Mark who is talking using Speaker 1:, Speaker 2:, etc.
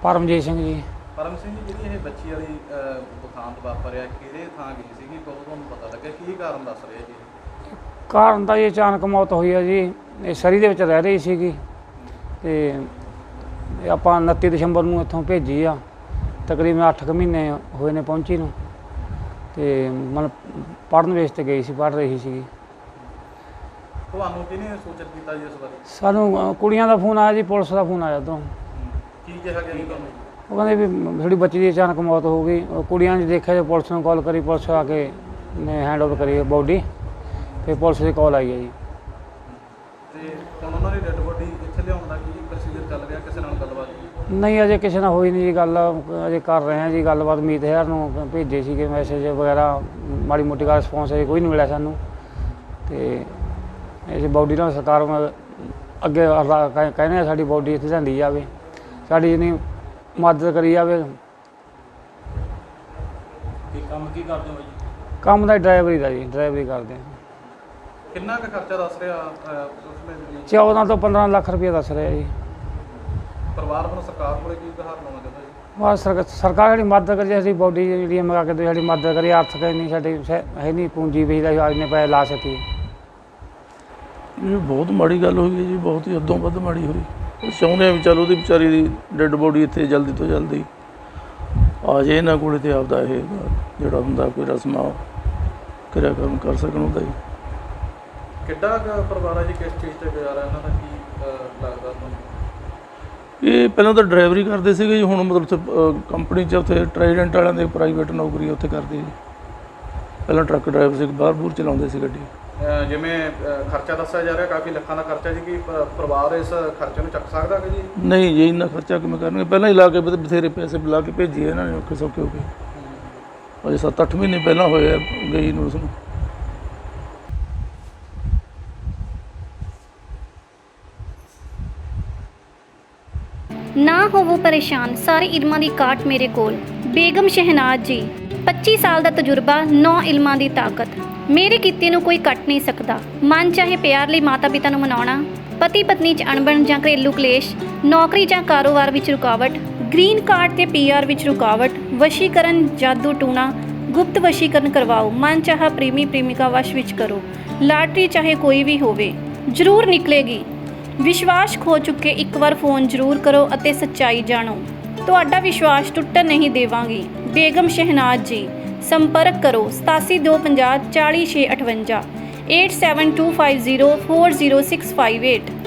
Speaker 1: ਪਰਮਜੀਤ ਸਿੰਘ ਜੀ।
Speaker 2: ਪਰਮ ਸਿੰਘ ਜੀ, ਜਿਹੜੀ ਇਹ ਬੱਚੀ ਵਾਲੀ ਦੁਖਾਂਤ ਵਾਪਰਿਆ ਕਿਹੜੇ ਥਾਂ ਗਈ ਸੀਗੀ, ਕਦੋਂ ਤੁਹਾਨੂੰ ਪਤਾ ਲੱਗਿਆ, ਕੀ ਕਾਰਨ ਦੱਸ ਰਹੇ ਜੀ?
Speaker 1: ਕਾਰਨ ਤਾਂ ਜੀ ਅਚਾਨਕ ਮੌਤ ਹੋਈ ਹੈ ਜੀ। ਇਹ ਸਰੀ ਦੇ ਵਿੱਚ ਰਹਿ ਰਹੀ ਸੀਗੀ ਅਤੇ ਆਪਾਂ 29 ਦਸੰਬਰ ਨੂੰ ਇੱਥੋਂ ਭੇਜੀ ਆ। ਤਕਰੀਬਨ 8 ਕੁ ਮਹੀਨੇ ਹੋਏ ਨੇ ਪਹੁੰਚੀ ਨੂੰ, ਅਤੇ ਮਤਲਬ ਪੜ੍ਹਨ ਵੇਸ 'ਤੇ ਗਈ ਸੀ, ਪੜ੍ਹ ਰਹੀ ਸੀਗੀ।
Speaker 2: ਤੁਹਾਨੂੰ ਕਿਹਨੇ ਸੂਚਿਤ ਕੀਤਾ ਜੀ ਇਸ ਬਾਰੇ?
Speaker 1: ਸਾਨੂੰ ਕੁੜੀਆਂ ਦਾ ਫੋਨ ਆਇਆ ਜੀ, ਪੁਲਿਸ ਦਾ ਫੋਨ ਆਇਆ ਉੱਧਰੋਂ।
Speaker 2: ਕੀ ਕਿਹਾ ਗਿਆ ਜੀ ਤੁਹਾਨੂੰ?
Speaker 1: ਉਹ ਕਹਿੰਦੇ ਵੀ ਤੁਹਾਡੀ ਬੱਚੀ ਦੀ ਅਚਾਨਕ ਮੌਤ ਹੋ ਗਈ। ਉਹ ਕੁੜੀਆਂ ਨੇ ਦੇਖਿਆ, ਜੇ ਪੁਲਿਸ ਨੂੰ ਕਾਲ ਕਰੀ, ਪੁਲਿਸ ਆ ਕੇ ਨੇ ਹੈਂਡ ਓਵਰ ਕਰੀ ਬੋਡੀ, ਫਿਰ ਪੁਲਿਸ ਦੀ ਕਾਲ ਆਈ ਹੈ ਜੀ।
Speaker 2: ਤੇ ਹੁਣ ਉਹਨਾਂ ਦੀ ਡੈੱਡ ਬੋਡੀ ਇੱਥੇ ਲਿਆਉਣ ਦਾ ਕੀ ਪ੍ਰੋਸੀਜਰ ਚੱਲ ਰਿਹਾ? ਕਿਸੇ ਨਾਲ ਗੱਲਬਾਤ?
Speaker 1: ਨਹੀਂ, ਅਜੇ ਕਿਸੇ ਨਾਲ ਹੋਈ ਨਹੀਂ ਜੀ ਗੱਲ। ਅਜੇ ਕਰ ਰਹੇ ਹਾਂ ਜੀ ਗੱਲਬਾਤ। ਮੀਤ ਹੈਰ ਨੂੰ ਭੇਜੇ ਸੀਗੇ ਮੈਸੇਜ ਵਗੈਰਾ, ਮਾੜੀ ਮੋਟੀ ਦਾ ਰਿਸਪੌਂਸ ਅਜੇ ਕੋਈ ਨਹੀਂ ਮਿਲਿਆ ਸਾਨੂੰ। ਅਤੇ ਇਸ ਬੋਡੀ ਨਾਲ ਸਰਕਾਰ ਅੱਗੇ ਕਹਿੰਦੇ ਆ ਸਾਡੀ ਬੋਡੀ ਇੱਥੇ ਲਿਆਂਦੀ ਜਾਵੇ, ਸਾਡੀ ਜਿੰਨੀ ਮਦਦ ਕਰੀ ਜਾਵੇ।
Speaker 2: ਕੰਮ ਕੀ ਕਰਦੇ ਹੋ ਜੀ?
Speaker 1: ਕੰਮ ਦਾ ਡਰਾਈਵਰੀ ਦਾ ਜੀ, ਡਰਾਈਵਰੀ ਕਰਦੇ ਹਾਂ।
Speaker 2: ਕਿੰਨਾ ਕੁ ਖਰਚਾ ਦੱਸ ਰਿਹਾ ਉਸਨੇ?
Speaker 1: 14 ਤੋਂ 15 ਲੱਖ ਰੁਪਏ ਦੱਸ ਰਿਹਾ ਜੀ।
Speaker 2: ਪਰਿਵਾਰ ਵੱਲੋਂ ਸਰਕਾਰ ਕੋਲੇ ਕੀ ਗੁਹਾਰ ਲਾਉਣਾ ਚਾਹੁੰਦਾ ਜੀ?
Speaker 1: ਬਸ ਸਰਕਾਰ ਜਿਹੜੀ ਮਦਦ ਕਰੀ, ਸਾਡੀ ਬੋਡੀ ਜਿਹੜੀ ਮੰਗਾ ਕੇ ਸਾਡੀ ਮਦਦ ਕਰੀ। ਆਰਥਿਕ ਇੰਨੀ ਸਾਡੀ ਹੈ ਨਹੀਂ ਪੂੰਜੀ ਵੀ ਇੰਨੇ ਪੈਸੇ ਲਾ ਸਕੀਏ।
Speaker 3: ਇਹ ਬਹੁਤ ਮਾੜੀ ਗੱਲ ਹੋਈ ਹੈ ਜੀ, ਬਹੁਤ ਹੀ ਹੱਦੋਂ ਵੱਧ ਮਾੜੀ ਹੋਈ। ਚਾਹੁੰਦੇ ਹਾਂ ਵੀ ਚੱਲ ਉਹਦੀ ਵਿਚਾਰੀ ਦੀ ਡੈੱਡ ਬੋਡੀ ਇੱਥੇ ਜਲਦੀ ਤੋਂ ਜਲਦੀ ਆ ਜਾਏ ਇਹਨਾਂ ਕੋਲ, ਅਤੇ ਆਪਦਾ ਇਹ ਜਿਹੜਾ ਹੁੰਦਾ ਕੋਈ ਰਸਮਾਂ ਕਿਰਿਆਕਰਮ ਕਰ ਸਕਣ ਉਹਦਾ ਜੀ।
Speaker 2: ਕਿੱਡਾ ਪਰਿਵਾਰ ਹੈ ਜੀ? ਕਿਸ ਚੀਜ਼ 'ਤੇ ਗੁਜ਼ਾਰਾ ਇਹਨਾਂ ਦਾ, ਕੀ ਲੱਗਦਾ ਤੁਹਾਨੂੰ?
Speaker 3: ਇਹ ਪਹਿਲਾਂ ਤਾਂ ਡਰਾਈਵਰੀ ਕਰਦੇ ਸੀਗੇ ਜੀ, ਹੁਣ ਮਤਲਬ ਉੱਥੇ ਕੰਪਨੀ 'ਚ ਉੱਥੇ ਟਰਾਈਡੈਂਟ ਵਾਲਿਆਂ ਦੇ ਪ੍ਰਾਈਵੇਟ ਨੌਕਰੀ ਉੱਥੇ ਕਰਦੇ ਜੀ। ਪਹਿਲਾਂ ਟਰੱਕ ਡਰਾਈਵਰ ਸੀ, ਬਾਹਰ ਬੂਰ ਚਲਾਉਂਦੇ ਸੀ ਗੱਡੀ।
Speaker 2: ਜਿਵੇਂ ਖਰਚਾ ਦੱਸਿਆ ਜਾ ਰਿਹਾ ਕਾਫੀ ਲੱਖਾਂ ਦਾ ਖਰਚਾ ਜੀ, ਕੀ ਪਰਿਵਾਰ ਇਸ ਖਰਚੇ ਨੂੰ ਚੱਕ ਸਕਦਾ ਹੈ ਜੀ?
Speaker 3: ਨਹੀਂ ਜੀ, ਇੰਨਾ ਖਰਚਾ ਕਿਵੇਂ ਕਰਨਗੇ? ਪਹਿਲਾਂ ਹੀ ਲਾ ਕੇ ਬਥੇਰੇ ਪੈਸੇ ਬੁਲਾ ਕੇ ਭੇਜੀਏ ਇਹਨਾਂ ਨੇ ਔਖੇ ਸੌਖੇ ਹੋ ਕੇ। ਅਜੇ 7-8 ਮਹੀਨੇ ਪਹਿਲਾਂ ਹੋਏ ਆ ਗਈ ਨੂੰ ਉਸਨੂੰ।
Speaker 4: ਨਾ ਹੋਵੋ ਪਰੇਸ਼ਾਨ, ਸਾਰੇ ਇਲਮਾਂ ਦੀ ਕਾਟ ਮੇਰੇ ਕੋਲ। ਬੇਗਮ ਸ਼ਹਿਨਾਜ਼ ਜੀ, 25 ਸਾਲ ਦਾ ਤਜਰਬਾ, 9 ਇਲਮਾਂ ਦੀ ਤਾਕਤ। ਮੇਰੇ ਕੀਤੇ ਨੂੰ ਕੋਈ ਕੱਟ ਨਹੀਂ ਸਕਦਾ। ਮਨ ਚਾਹੇ ਪਿਆਰ ਲਈ ਮਾਤਾ ਪਿਤਾ ਨੂੰ ਮਨਾਉਣਾ, ਪਤੀ ਪਤਨੀ 'ਚ ਅਣਬਣ ਜਾਂ ਘਰੇਲੂ ਕਲੇਸ਼, ਨੌਕਰੀ ਜਾਂ ਕਾਰੋਬਾਰ ਵਿੱਚ ਰੁਕਾਵਟ, ਗ੍ਰੀਨ ਕਾਰਡ ਤੇ PR ਵਿੱਚ ਰੁਕਾਵਟ, ਵਸ਼ੀਕਰਨ, ਜਾਦੂ ਟੂਣਾ, ਗੁਪਤ ਵਸ਼ੀਕਰਨ ਕਰਵਾਓ। ਮਨ ਚਾਹਾ ਪ੍ਰੇਮੀ ਪ੍ਰੇਮਿਕਾ ਵਸ਼ ਵਿੱਚ ਕਰੋ। ਲਾਟਰੀ ਚਾਹੇ ਕੋਈ ਵੀ ਹੋਵੇ, ਜ਼ਰੂਰ ਨਿਕਲੇਗੀ। ਵਿਸ਼ਵਾਸ ਖੋ ਚੁੱਕੇ ਇੱਕ ਵਾਰ ਫੋਨ ਜ਼ਰੂਰ ਕਰੋ ਅਤੇ ਸੱਚਾਈ ਜਾਣੋ। ਤੁਹਾਡਾ ਵਿਸ਼ਵਾਸ ਟੁੱਟਣ ਨਹੀਂ ਦੇਵਾਂਗੀ। ਬੇਗਮ ਸ਼ਹਿਨਾਜ਼ ਜੀ, ਸੰਪਰਕ ਕਰੋ 8725040658 8725040658।